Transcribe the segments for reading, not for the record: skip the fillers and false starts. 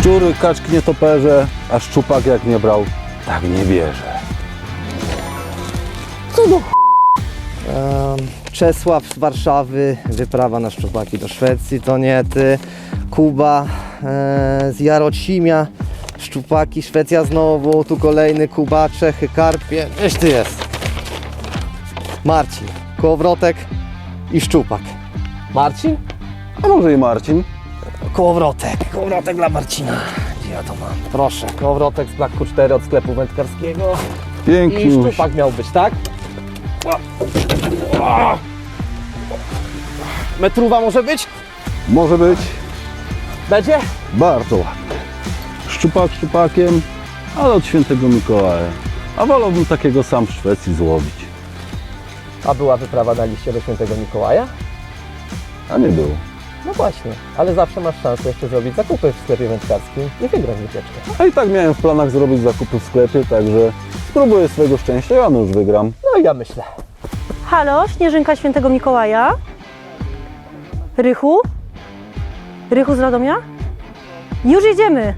Szczury, kaczki, nietoperze, a szczupak jak nie brał, tak nie bierze. Co do Czesław z Warszawy, wyprawa na szczupaki do Szwecji, to nie ty. Kuba z Jarocimia, szczupaki, Szwecja znowu, tu kolejny Kuba, Czechy, karpie, gdzieś ty jest. Marcin, kołowrotek i szczupak. Marcin? A może i Marcin? Kołowrotek dla Marcina. Gdzie ja to mam? Proszę, kołowrotek z Black Q4 od sklepu wędkarskiego. Pięknie. I szczupak miał być, tak? Metrówa może być? Może być Będzie? bardzo ładny. Szczupak szczupakiem, ale od świętego Mikołaja. A wolałbym takiego sam w Szwecji złowić. A była wyprawa na liście do świętego Mikołaja? A nie było. No właśnie, ale zawsze masz szansę jeszcze zrobić zakupy w sklepie wędkarskim i wygrać wycieczkę. A i tak miałem w planach zrobić zakupy w sklepie, także spróbuję swojego szczęścia, ja już wygram. No i ja myślę. Halo, Śnieżynka Świętego Mikołaja? Rychu? Rychu z Radomia? Już jedziemy!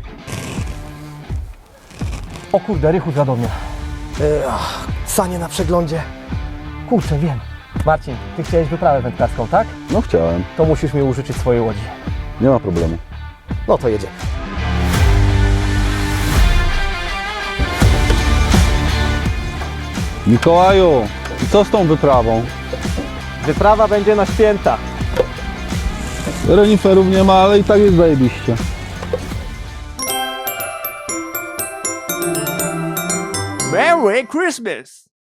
O kurde, Rychu z Radomia. Sanie na przeglądzie. Kurczę, wiem. Marcin, ty chciałeś wyprawę wędkarską, tak? No chciałem, To musisz mi użyczyć swojej łodzi. nie ma problemu. No to jedziemy. Mikołaju, i co z tą wyprawą? Wyprawa będzie na święta. Reniferów nie ma, ale i tak jest zajebiście. Merry Christmas!